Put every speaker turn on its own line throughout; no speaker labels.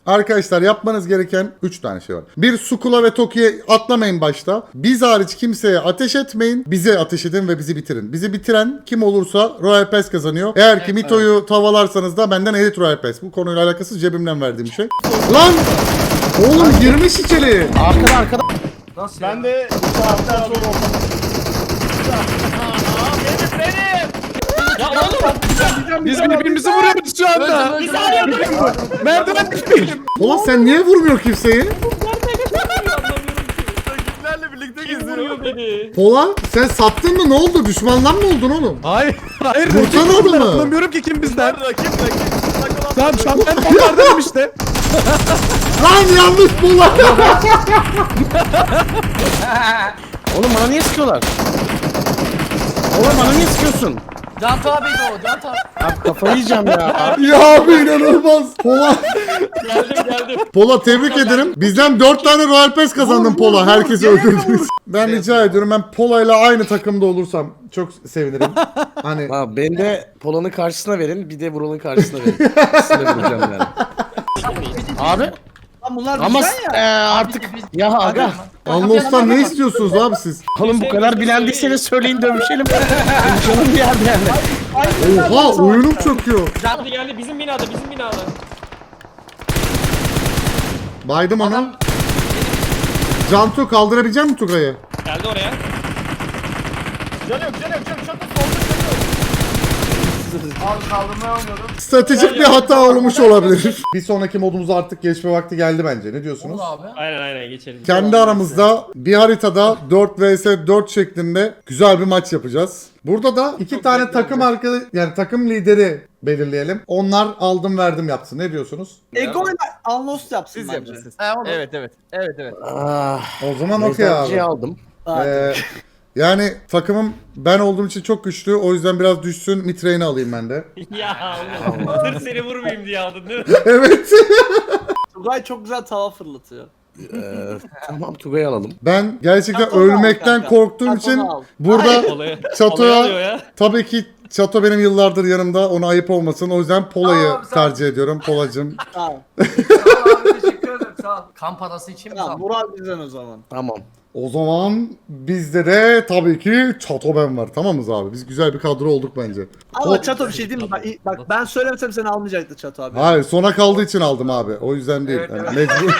Arkadaşlar yapmanız gereken 3 tane şey var. Bir, Sukula ve Toki'ye atlamayın başta. Biz hariç kimseye ateş etmeyin. Bize ateş edin ve bizi bitirin. Bizi bitiren kim olursa Royal Pass kazanıyor. Eğer ki Mito'yu tavalarsanız da benden Elite Royal Pass. Bu konuyla alakasız cebimden verdiğim şey. Lan! Oğlum girmiş içeri.
Arkada.
Nasıl
Ben de bu saatten sonra
Ya oğlum. Biz birbirimizi vuruyoruz şu anda.
Biz arıyorduk.
Merdiven düşmeyelim.
Ulan sen niye vurmuyor kimseyi?
Rakiplerle birlikte geziyorum.
Vuruyor beni.
Pola sen sattın mı? Ne oldu? Düşmandan mı oldun oğlum?
Hayır.
Vursana
rakip bizden.
adamı.
Anlamıyorum ki kim bizden.
Rakip.
Tamam şu an ben onlardanım işte.
Lan yanlış Pola.
Oğlum bana niye sıkıyorlar? Oğlum bana niye sıkıyorsun?
Cantu abiydi o. Cantu abi.
Abi kafayı yiyeceğim ya.
Ya abi inanılmaz. Pola.
Geldim.
Pola tebrik ederim. Bizden 4 tane Royal Pass kazandın Pola. Herkesi öldürdünüz. Ben rica ediyorum, ben Pola ile aynı takımda olursam çok sevinirim. Hani
Abi beni de Polon'un karşısına verin, bir de Vural'ın karşısına verin. İkisini de vuracağım yani. Abi
Lan bunlar
ama
bizden ya.
artık ya aga.
Anlos'tan ne istiyorsunuz abi siz?
Oğlum bu kadar bilendiyseniz söyleyin dövüşelim. Dövüşelim bir yerde yani.
Oha oyunum çöküyor.
Cantu geldi bizim binada.
Baydım onu. Cantu kaldırabilecek misin Tugay'ı?
Geldi oraya.
Can yok. Şurada solda Abi kaldırmaya oynuyorum.
Stratejik bir hata olmuş olabilir. Bir sonraki modumuza artık geçme vakti geldi bence. Ne diyorsunuz?
Aynen geçelim.
Kendi aramızda bir haritada 4 vs 4 şeklinde güzel bir maç yapacağız. Burada da 2 tane takım yani takım lideri belirleyelim. Onlar aldım verdim yapsın. Ne diyorsunuz?
Ego ile Unlost yapsın
Siz
bence.
yapın siz. Evet.
Ah,
O zaman okey abi.
mezarcıyı aldım.
Ee, yani takımım ben olduğum için çok güçlü. O yüzden biraz düşsün. Mitreyini alayım ben de.
Ya oğlum. Sırf seni vurmayayım diye aldın değil mi?
Evet.
Tugay çok güzel tava fırlatıyor.
Tamam Tugay'ı alalım.
Ben gerçekten
Çatonu al
ölmekten
kanka.
korktuğum
Çatonu
için
al.
burada
Olaya alıyor
Çato'ya
ya.
tabii ki Çato benim yıllardır yanımda. Ona ayıp olmasın. O yüzden Pola'yı
Tamam, sağ ol.
tercih ediyorum. Polacım.
Tamam.
Sağ ol abi, teşekkür ederim. Sağ ol.
Kamp parası için mi?
Tamam. Murat bizden o zaman.
Tamam.
O zaman bizde de tabii ki Çato ben var. Tamamız abi. Biz güzel bir kadro olduk bence.
Ama Çato bir şey değil mi? Bak ben söylemesem seni almayacaktı Çato abi.
Hayır, sona kaldığı için aldım abi. O yüzden değil.
Evet,
Yani
evet.
mecbur.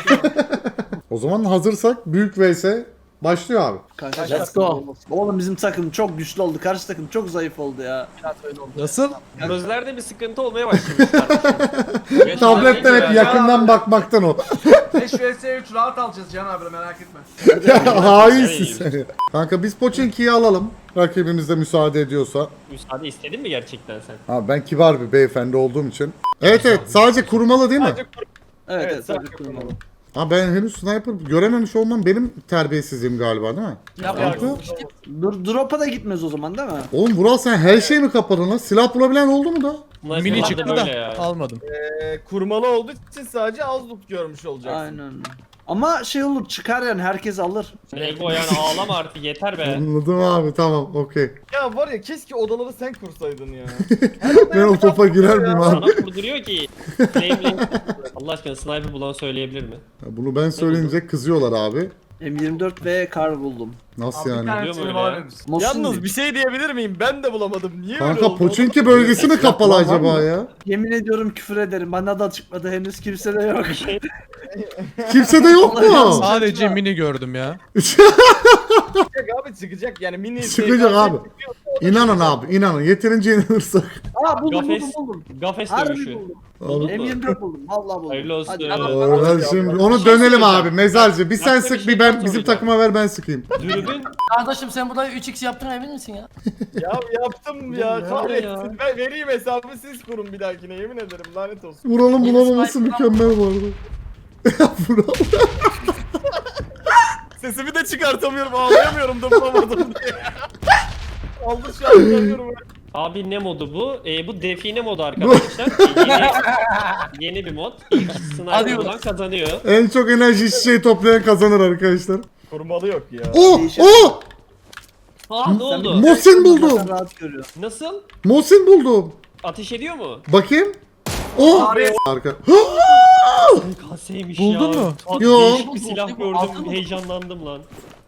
O zaman hazırsak büyük vs başlıyor abi.
Kanka,
Let's go.
Oğlum bizim takım çok güçlü oldu. Karşı takım çok zayıf oldu ya.
Nasıl?
Gözlerde bir sıkıntı olmaya başlamış kardeşim.
Tabletten hep yakından bakmaktan o.
5 vs 3 rahat alacağız Can abi merak etme.
Ya hainsin sen. Kanka biz Pochinki'yi alalım. Rakibimiz de müsaade ediyorsa.
Müsaade istedin mi gerçekten sen?
Abi ben kibar bir beyefendi olduğum için. Evet sadece kurmalı değil mi?
Sadece
Evet
Evet,
evet.
sadece
sadece kurmalı.
kurmalı.
Ha ben henüz sniper görememiş olmam benim terbiyesizliğim galiba değil mi? Kanka.
Drop'a da gitmez o zaman değil mi?
Oğlum Vural sen her şeyi mi kapadın lan? Silah bulabilen oldu mu da?
Bunlar
Mini
sefer de
çıktı
böyle
da
ya.
almadım.
Kurmalı olduğu için sadece az loot görmüş olacaksın.
Aynen. Ama şey olur çıkar yani herkes alır.
Ego yani ağlama artık yeter be.
Anladım abi, tamam okey.
Ya var ya keşke odaları sen kursaydın ya.
Ben o topa girer miyim abi?
Sana kurduruyor ki. Flame. Allah aşkına sniper bulan söyleyebilir mi?
Ya bunu ben söyleyince kızıyorlar abi.
M24 ve kar buldum.
Nasıl
Bir
yani?
tane
Biliyor mu
şey
öyle
var
ya?
ya.
Mosun
Yalnız
değil.
bir şey diyebilir miyim? Ben de bulamadım. Niye öyle
Kanka
oldu?
Pochinki bölgesi mi kapalı
Var
acaba
mı?
ya?
Yemin ediyorum küfür ederim. Bana da çıkmadı henüz kimse de yok.
Kimse de yok mu?
Sadece mini gördüm ya.
Çıkacak abi çıkacak yani mini
Çıkacak abi. İnanın abi, inanın. Yeterince inanırsak.
Aa buldum
Gafes.
buldum.
Gafes
Harbi
dövüşü.
buldum.
Abi.
M24 buldum. Vallahi buldum.
Hayırlı olsun.
Hadi.
Oradan şimdi onu
şey
dönelim
söyleyeceğim.
abi mezarcı. Bir sen
Başka bir
sık
şey
bir ben
daha
bizim
soracağım.
takıma ver ben sıkayım.
Dürbün.
Kardeşim sen burada 3x yaptığına emin misin ya?
Ya yaptım
Bu
ya
ne
kahretsin.
ya?
Ben vereyim hesabı siz kurun bir dahakine yemin ederim lanet olsun.
Vuralım
Yeni
bulamaması
sniper
mükemmel bu arada. Vural.
Sesimi de çıkartamıyorum ağlayamıyorum da bulamadım diye. Aldı şu an görüyorum.
Abi ne modu bu? Bu define modu arkadaşlar. Yeni bir mod. İlk sniper
Arıyoruz.
bulan kazanıyor.
En çok enerji şişeyi toplayan kazanır arkadaşlar.
Kurmalı yok ya.
Oh!
Değişik.
Oh!
Aa ne oldu?
Mosin buldum.
Sen rahat görüyor.
Nasıl?
Mosin buldum.
Ateş ediyor mu?
Bakayım. Oh!
Abi.
Arka.
Kaseymiş
Buldun
ya.
mu?
Bak,
Yo.
Değişik bir silah
Buldum, buldum.
gördüm. Heyecanlandım lan.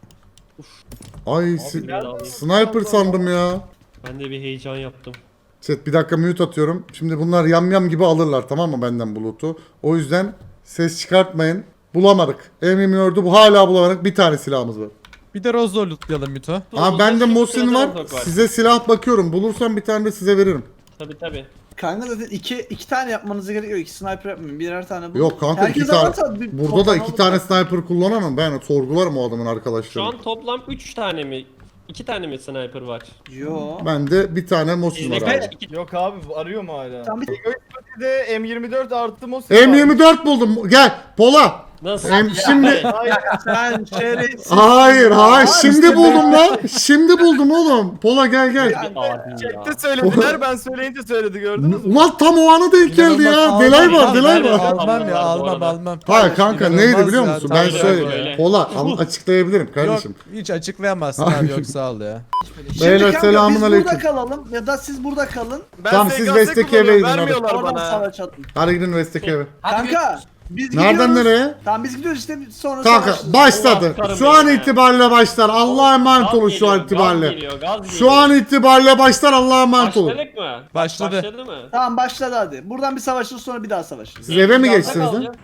Ay sniper sandım ya.
Ben de bir heyecan yaptım.
Chat bir dakika mute atıyorum. Şimdi bunlar yam gibi alırlar tamam mı benden bulutu. O yüzden ses çıkartmayın. Bulamadık. M24'ü bu hala bulamadık. Bir tane silahımız var.
Bir de Rozlo lootlayalım Mito.
Abi bende
Şimdi
Mosin
sırada
var.
Rozok var.
Size silah bakıyorum. Bulursam bir tane de size veririm.
Tabi.
Kanka zaten iki tane yapmanız gerekiyor. 2 sniper yapmayın. Birer tane bulun.
Yok kanka
Herkes
iki tane.
alırsa bir
Burada da
toplam
iki tane
alır.
sniper kullanamam. Ben sorgularım o adamın
Şu
arkadaşlarını.
an toplam 3 tane mi? 2 tane mi sniper var?
Yo.
Bende bir tane Mosin var
Bizde
abi.
kaç? 2
Yok abi arıyor mu hala?
Sen bir
De M24 artı Mosin
M24 buldum. Gel Pola.
Nasıl?
Şimdi
sen şerefsiz.
hayır şimdi
işte
buldum lan. Şimdi buldum oğlum. Pola gel.
Chatte söylediler ben söyleyince söyledi gördünüz mü?
Ulan tam o ana denk geldi ya. Delay var.
Almam ya almam.
Hayır kanka
İnanılmaz
neydi biliyor
ya,
musun?
tam
Ben
böyle.
söyle. Pola açıklayabilirim
Yok
kardeşim.
hiç açıklayamazsın abi yok sağ ol ya.
Şimdi
Beyler,
kanka
selamun
biz
aleyküm.
burada kalalım ya da siz burada kalın.
Ben
Tamam, siz
SKS
West'teki eve
kullanıyorum,
gidin hadi.
vermiyorlar
Oradan
bana.
savaş atın.
Hadi gidin West'teki eve.
Hadi
Kanka biz
Nereden
gidiyoruz.
nereye?
Tamam biz gidiyoruz işte sonra
Kanka
savaşırız.
başladı.
Allah
Şu an
karım
itibariyle başlar. Allah'a emanet
Gaz
olun şu an
geliyor,
itibariyle.
Gaz geliyor, gaz
Şu an itibariyle başlar. Allah'a emanet olun.
Başladık mı?
Başladı.
Başladı mı?
Tamam başladı hadi. Buradan bir savaşırız sonra bir daha savaşırız.
Siz eve mi
Gazda
geçtiniz lan?
kalacağız.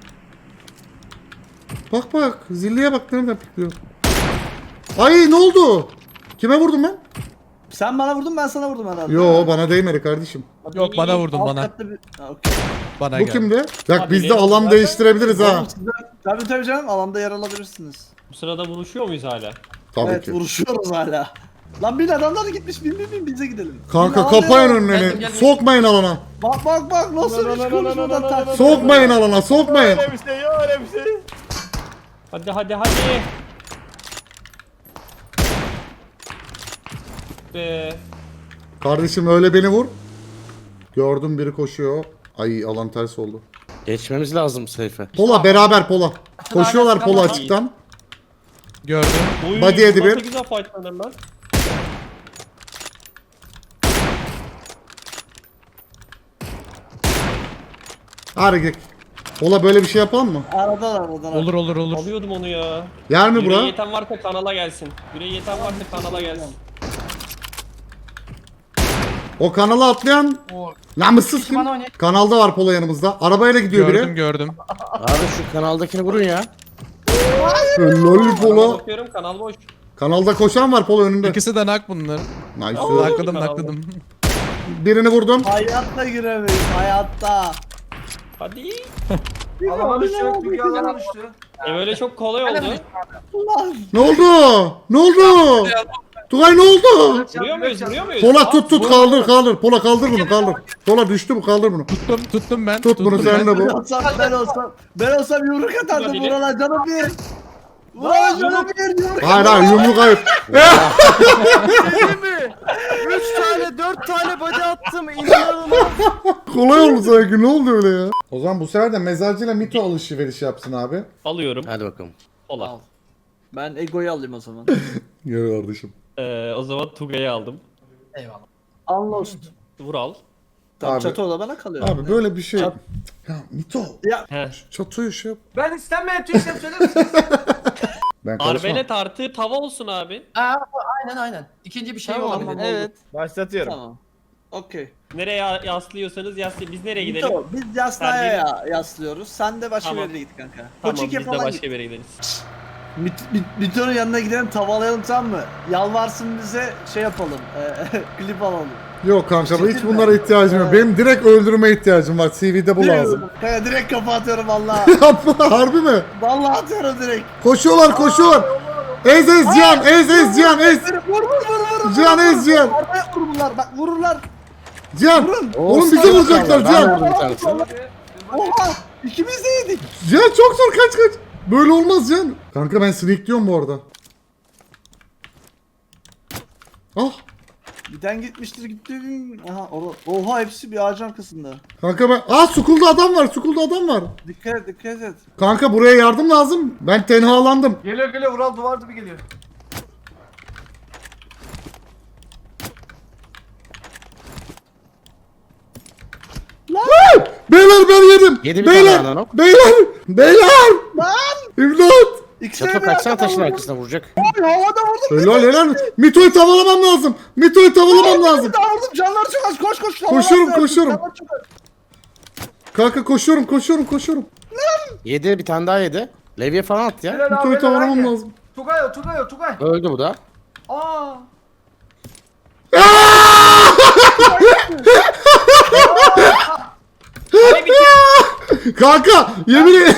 Bak zilliye bak nereden pikliyor. Ay ne oldu? Kime vurdum ben?
Sen bana vurdun ben sana vurdum herhalde.
Yo bana değmedi kardeşim.
Yok bana vurdun
Alt
bana.
katta bir... Ha, okey.
Bana
Bu
gel.
kimdi? Bak
Abi
biz de
ne?
alan
Zaten-
değiştirebiliriz ha.
Oğlum siz tabii canım alanda yer alabilirsiniz.
Bu sırada buluşuyor muyuz hala?
Tabii
Evet
ki.
vuruşuyoruz hala. Lan bin adamlar da gitmiş bin bize gidelim.
Kanka
Bin alanda
kapayın
yer al-
önlerini.
Geldim.
Sokmayın alana.
Bak nasıl hiç konuşmadan taktik.
Sokmayın alana sokmayın.
Öyle bir şey yok öyle bir şey.
Hadi. Be.
Kardeşim öyle beni vur. Gördüm biri koşuyor. Ay alan ters oldu.
Geçmemiz lazım Seyfe.
Pola beraber Pola. Koşuyorlar Pola açıktan.
Gördüm.
Oy,
Body yedi
nasıl
bir.
güzel fightlanır lan.
Hadi gidelim. Pola böyle bir şey yapalım mı?
Aradan.
Olur.
Alıyordum onu ya.
Yer mi
Yüreği
bura?
yeten varsa kanala gelsin. Yüreği yeten varsa kanala gelsin.
O kanala atlayan
O
namussuz kim?
bana oynayın.
Kanalda var Pola yanımızda. Arabayla gidiyor biri.
Gördüm.
Abi şu kanaldakini vurun ya.
Lol
Kanala
Pola.
bakıyorum kanal boş.
Kanalda koşan var Pola önünde.
İkisi de nak bunlar.
Nice.
Nakladım.
Birini vurdum.
Hayatta giremeyiz hayatta.
Hadi.
Alana
Böyle çok kolay oldu.
Ne oldu? Ne oldu? Tugay ne oldu?
Vuruyor muyuz?
Pola tut kaldır. Pola kaldır bunu kaldır. Pola düştü bu kaldır bunu.
Tuttum ben.
Tut bunu
tuttum
sen
ben.
de bu.
Ben olsam yumruk atardım
Olabilir.
Vural'a canım bir. Vural'a canım bir yumruk.
Hayır yumruk ayıp.
Değil mi? 3 tane 4 tane body attım inanılmaz.
Kolay oldu sanki ne oldu öyle ya? O zaman bu sefer de mezarcıyla mito alışveriş yapsın abi.
Alıyorum.
Hadi bakalım.
Ola.
Al. Ben Ego'yu alayım o zaman.
Gel kardeşim.
O zaman Tugay'ı aldım.
Eyvallah.
Unlost.
Vural.
Tamam
Abi-
çatı o da bana kalıyor.
Abi böyle bir şey.
Çat-
Ya mito.
Ya
He.
Çatıyı şey yap.
Ben istenmeyen tüy işlem söyler misiniz?
Ben karışmam.
Arbelet artı tava olsun abi.
Aynen. İkinci bir şey
Tamam,
olabilir.
tamam.
Evet. Başlatıyorum.
tamam. Okey.
Nereye yaslıyorsanız yaslayın. Biz nereye gidelim?
Mito, biz Yasna'ya yaslıyoruz. Sen de başka
Tamam.
bir yere git kanka.
Tamam
Koçike
biz de
falan
başka
git.
bir yere gideriz.
Mito'nun yanına gidelim tavalayalım tamam mı? Yalvarsın bize şey yapalım. Klip alalım.
Yok kanka hiç
Çekil
bunlara
mi?
ihtiyacım yok.
Evet.
Benim direkt öldürme ihtiyacım var. CV'de bu lazım.
Kanka direkt kafa atıyorum valla.
Yapma harbi mi?
Valla atıyorum direkt.
Koşuyorlar. Ez Cihan ez.
Vur.
Cihan ez Cihan.
Arabaya vur bunlar bak vururlar.
Cihan.
Vurun.
Oğlum bizi vuracaklar
Ben
Cihan.
vurdum bir tanesini.
Oha ikimiz de yedik.
Cihan çok zor kaç. Böyle olmaz Cihan. Kanka ben sneak diyorum bu arada. Ah.
Giden gitmiştir gitti. Aha oha hepsi bir ağacın arkasında.
Kanka ben... Sukulda adam var.
Dikkat et.
Kanka buraya yardım lazım. Ben tenhalandım.
Geliyor Vural duvar gibi geliyor.
Beyler ben yedim.
Yedi bir
Beyler.
tane ananok.
Beyler. İmdat.
İkisine
Çato
de
kaçsana taşın arkasına vuracak.
Abi havada vurdum.
Helal. Mito'yu tavalamam lazım. Mito'yu tavalamam lazım.
Bir daha vurdum. Canları çok az. Koş.
Koşuyorum,
Havalar
koşuyorum.
canları çok az.
Kanka koşuyorum.
Yedi bir tane daha yedi. Levye falan at ya.
Helal abi,
Mito'yu
helal,
tavalamam
haydi.
lazım.
Tugay.
Öldü bu da.
Aa.
Hani bir
Kanka yemin ederim.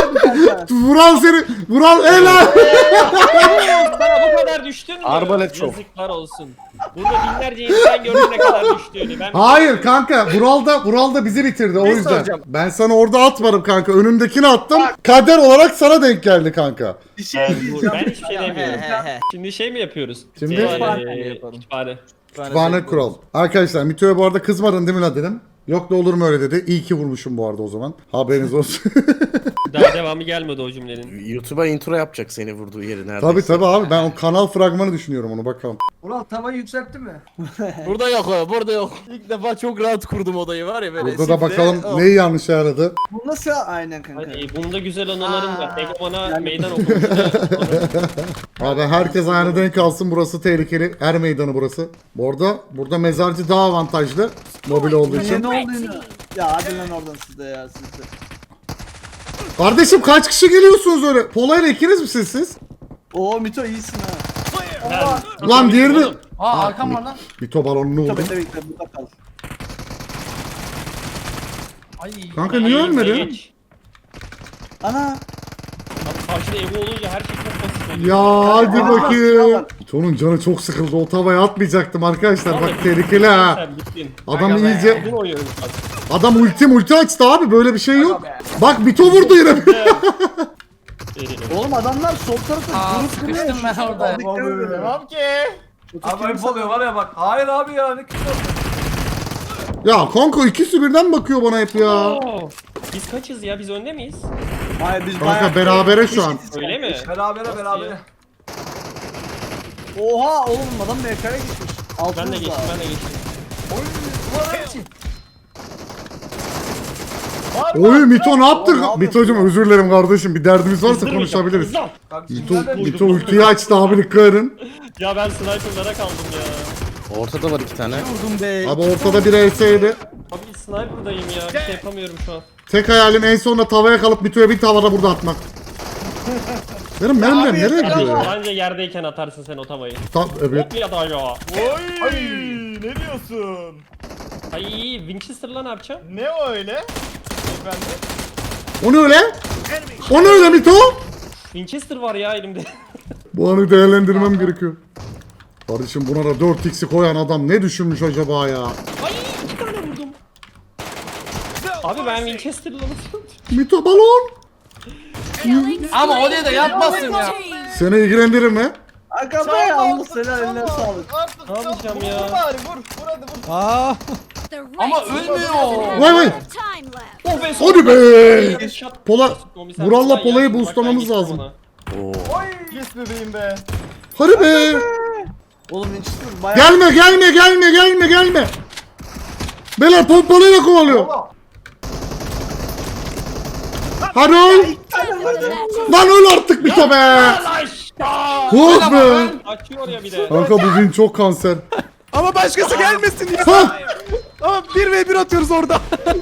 Vural helal.
Bana bu kadar düştün mü?
Arbalet şov.
Yazıklar olsun. Burada binlerce insan gördü ne kadar düştüğünü. Ben
Hayır kanka Vural da bizi bitirdi o
Ne
yüzden.
soracağım?
Ben sana orada atmadım kanka. Önündekini attım. Kader olarak sana denk geldi kanka.
Bir şey diyeceğim.
Ben hiçbir şey demiyorum. Şimdi şey mi yapıyoruz?
Şimdi-
Kütüphane.
Kütüphane kural. Arkadaşlar Mito'ya bu arada kızmadın değil mi lan dedim. Yok da olur mu öyle dedi. İyi ki vurmuşum bu arada o zaman. Haberiniz olsun.
Daha devamı gelmedi o cümlenin.
YouTube'a intro yapacak seni vurduğu yeri neredeyse.
tabii abi ben o kanal fragmanı düşünüyorum onu bakalım.
Ural tavayı yükseltti mi?
Burada yok o, burada yok. İlk defa çok rahat kurdum odayı var ya böyle.
Burada da
sifle.
bakalım
Oh.
neyi yanlış ayarladı.
Bu nasıl? Aynen kanka.
Hadi bunda güzel anılarım var. Ege bana
Yani-
meydan okumuştu.
Abi herkes ayağına denk alsın, burası tehlikeli. Er meydanı burası. Bu arada burada mezarcı daha avantajlı. Mobil olduğu için.
Ne oldu yine? Ya hadi lan oradan siz de ya siz de.
Kardeşim kaç kişi geliyorsunuz öyle? Polayla ikiniz misiniz siz?
Oo Mito iyisin ha.
Lan diğerini...
Aa arkam var lan.
Mito balonunu vurdum.
Tabii burada kal.
Ay.
Kanka niye ölmedi?
Geç.
Ana.
Abi karşıda Evo olunca her şey çok basit oluyor.
Ya hadi
Aa,
bakayım. Mito'nun canı çok sıkıldı. O tavaya atmayacaktım arkadaşlar. Bak tehlikeli ha.
Sen bittin.
Adam
Aga be.
iyice...
Bugün oynuyoruz bak.
Adam ulti açtı abi. Böyle bir şey yok.
Aga be.
Bak Mito vurdu yine.
Oğlum adamlar sol tarafta
Aa,
grup
sıkıştım
kuruyor.
ben orada.
Dikkat edin.
Tamam ki.
Abi ayıp oluyor var ya bak. Hayır abi ya ne kötü.
Ya kanka ikisi birden bakıyor bana hep ya.
Oo, biz kaçız ya? Biz önde miyiz?
Hayır biz
Kanka
bayağı-
berabere şu an.
Öyle mi?
Berabere.
Oha oğlum adam MK'ya gitmiş. Altımızda.
Ben de geçtim, ben de geçtim.
Ulan için.
Oy Mito ne yaptı?
Oğlum, ne yapıyorsun
Mito'cum özür dilerim kardeşim. Bir derdimiz varsa
Kızdırmayacağım,
konuşabiliriz.
kızlar.
Mito ultiyi açtı abi dikkat edin.
Ya ben sniper'lara kaldım ya.
Ortada var iki tane.
Vurdum be.
Abi ortada bir ES'ydi.
Abi sniper'dayım ya. Bir şey yapamıyorum şu an.
Tek hayalim en sonunda tavaya kalıp Mito'ya bir tavada burada atmak. Benim mermilerim nereye gidiyor ya?
Bence yerdeyken atarsın sen o tavayı.
Evet.
Hop ya da ya.
Oy. Ne diyorsun?
Ay Winchester'la ne yapacağım?
Ne o öyle? Efendim?
O ne öyle? O ne öyle Mito?
Winchester var ya elimde.
Bu anı değerlendirmem gerekiyor. Kardeşim buna da 4x'i koyan adam ne düşünmüş acaba ya?
Ay 2 tane vurdum. Abi ben Winchester'la nasıl
Mito balon.
Ama oraya da yapmazsın ya.
Seni ilgilendirir mi?
Aga be Allah selam eline sağlık.
Artık
Ne yapacağım
vur,
ya?
Vur bari vur hadi vur.
Aa,
Ama ölmüyor.
Vay vay.
Oh be
Hadi be.
Shot.
Pola,
Komiser
Vural'la
Kutu'dan
Pola'yı
geldim,
boostlamamız
bak ben
lazım.
gittim
Yes bebeğim be.
Hadi be.
Oğlum Winchester bayağı.
Gelme. Beyler pompalıyla kovalıyor. Hadi öl. Lan öl artık Mito be.
ona.
Vur be.
Açıyor ya bir de.
Kanka bu win çok kanser.
ama başkası gelmesin ya.
Ha.
Ama 1v1 atıyoruz orada.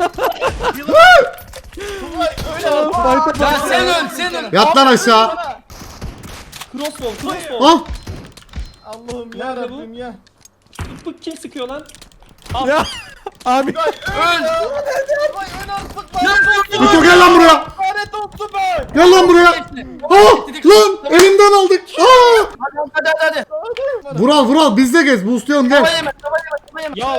Ya sen öl.
Yat lan aşağı.
Crossbow.
Ah.
Allah'ım
Nerede
ya
bu?
Rabbim ya.
Bu kim sıkıyor lan?
Ya abi
Vay ön artık lan.
Mito gel lan buraya.
Lanet olsun be.
Gel lan buraya. Ah lan elimden aldık. Ah.
Hadi.
Vural bizde gez. Boostlayalım gel.
Ya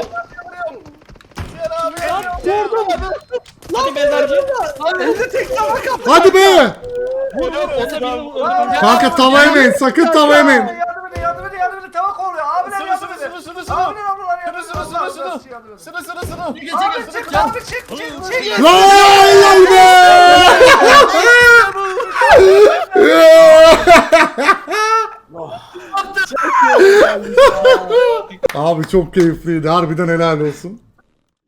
Gel abi.
hadi mezarcı.
Elde tek tava kaptı.
Hadi be.
Vur o da birini öldürdüm.
Kanka tava yemeyin. Sakın tava yemeyin.
Yardım edin. Tava koruyor. Abiler yardım edin. Abiler ablalar yardım edin.
Sını.
Abi çık abi çık.
Lay lay be. Abi çok keyifliydi. Harbiden helal olsun.